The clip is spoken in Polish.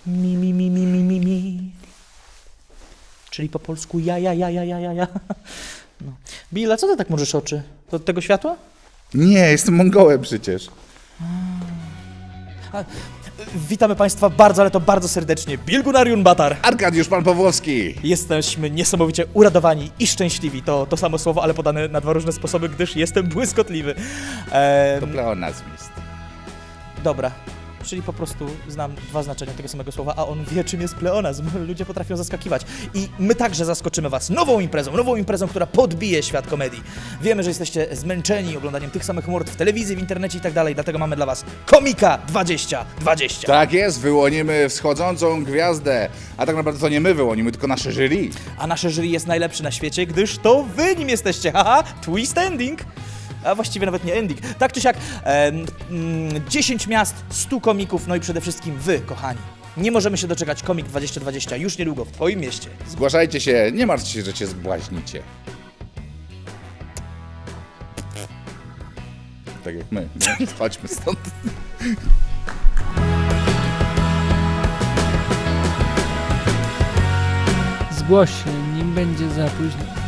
Mi, mi, mi, mi, mi, mi, mi. Czyli po polsku ja. No. Bill, a co ty tak możesz oczy? To od tego światła? Nie, jestem Mongołem przecież. Witamy Państwa bardzo, ale to bardzo serdecznie. Bilgunariun Batar. Arkadiusz Pan Pawłowski. Jesteśmy niesamowicie uradowani i szczęśliwi. To samo słowo, ale podane na dwa różne sposoby, gdyż jestem błyskotliwy. To pleonazm jest. Dobra. Czyli po prostu znam dwa znaczenia tego samego słowa, a on wie, czym jest pleonazm. Ludzie potrafią zaskakiwać. I my także zaskoczymy was nową imprezą, która podbije świat komedii. Wiemy, że jesteście zmęczeni oglądaniem tych samych mord w telewizji, w internecie i tak dalej, dlatego mamy dla was Komika 2020. Tak jest, wyłonimy wschodzącą gwiazdę. A tak naprawdę to nie my wyłonimy, tylko nasze jury. A nasze jury jest najlepsze na świecie, gdyż to wy nim jesteście. Haha, twist ending. A właściwie nawet nie ending. Tak czy siak, 10 miast, 100 komików, no i przede wszystkim wy, kochani. Nie możemy się doczekać Komik 2020 już niedługo w twoim mieście. Zgłaszajcie się, nie martwcie się, że cię zbłaźnicie. Tak jak my. Nie? Chodźmy stąd. Zgłoś się, nim będzie za późno.